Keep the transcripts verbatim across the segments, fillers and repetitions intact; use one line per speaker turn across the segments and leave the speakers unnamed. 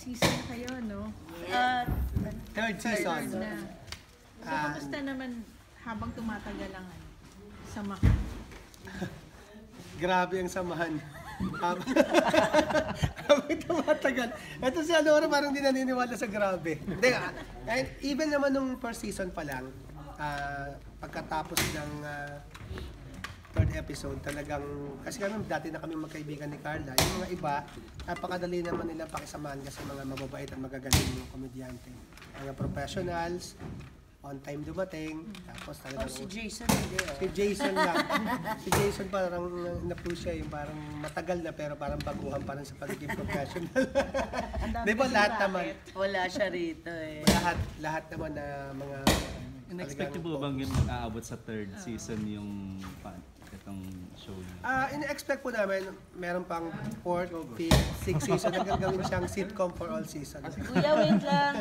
season na kayo, no?
Uh,
Third season.
Third na. So,
Ah,
kamusta naman habang tumatagal ang ano, sama?
Grabe ang samahan. Habang habang tumatagal. Ito si Alora parang di naniniwala sa grabe. Hindi, ah, and even naman nung first season pa lang, ah, pagkatapos ng ah, third episode, talagang, kasi kami dati na kami magkaibigan ni Carla, yung mga iba, napakadali naman nilang pakisamahan kasi mga mababait at magagaling mga komedyante. Mga professionals, on time dumating, tapos
oh,
talagang...
si Jason hindi. Oh.
Si Jason lang. Si Jason parang na-push siya, yung parang matagal na pero parang baguhan pa rin sa pagiging professional. Di ba lahat naman?
Wala siya rito eh.
Lahat, lahat naman na mga...
In-expect niyo po bang yun aabot sa third season yung pa- itong show niyo?
Ah, in-expect po namin, meron pang fourth, fifth, sixth season na gagawin siyang sitcom for all seasons.
Kuya, wait lang.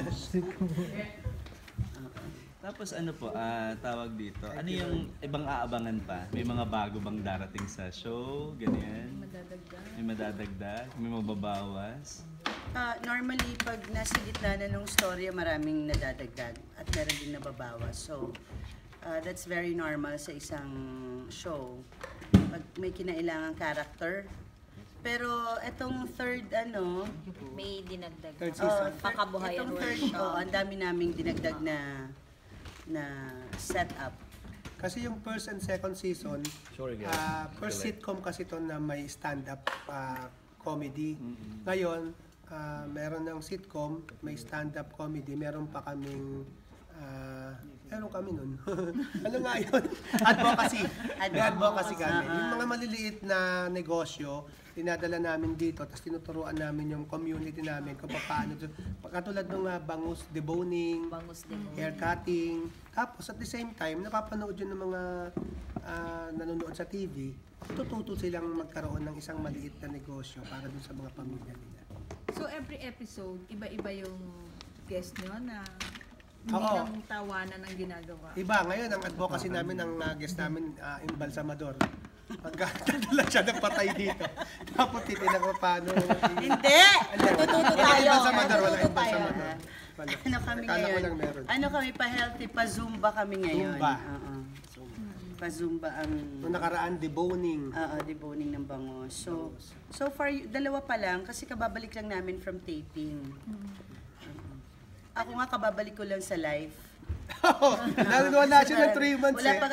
Tapos ano po, ah, tawag dito, ano yung ibang aabangan pa? May mga bago bang darating sa show? Ganyan?
Madadagdag.
May madadagdag? May mababawas?
Uh, normally, pag nasa gitna na ng storya, maraming nadadagdag at meron din nababawas. So, uh, that's very normal sa isang show. Pag may kinailangang character. Pero etong third, ano,
May dinagdag.
Third
oh,
season.
Pakabuhayan
etong third,
workshop.
oh, ang dami naming dinagdag na na setup.
Kasi yung first and second season, ah, first sitcom kasi to na may stand-up ah, comedy. Ngayon, ah, meron ng sitcom, may stand-up comedy, meron pa kaming ah, meron kami nun. Ano nga yun? Advocacy. May advocacy kami. Yung mga maliliit na negosyo, dinadala namin dito, tapos tinuturuan namin yung community namin kung paano. Katulad ng uh, bangus deboning,
Bangus din.
hair cutting. Tapos at the same time, napapanood yun ng mga ah, nanonood sa T V, tututo silang magkaroon ng isang maliit na negosyo para dun sa mga pamilya nila.
So, every episode, iba-iba yung guest nyo na hindi
Oo.
lang tawanan ang ginagawa.
Iba, ngayon ang advocacy namin, ang uh, guest namin, uh, embalsamador. Magkakadala siya ng patay dito. Tapos titinan ko paano.
Hindi! Tututo tayo.
Embalsamador, wala
Tututo tayo.
embalsamador. Wala.
Ano kami
Akala ko
ngayon?
lang meron.
Ano kami pa healthy? Pa Zumba kami ngayon.
Zumba.
Oo. Pa Zumba ang
Nung nakaraan, deboning.
Oo, deboning ng bangos. So, so far, y- dalawa pa lang kasi kababalik lang namin from taping. Oo. Ako nga kababalik ko lang sa live.
Wala siya ng three months
Wala
eh.
pa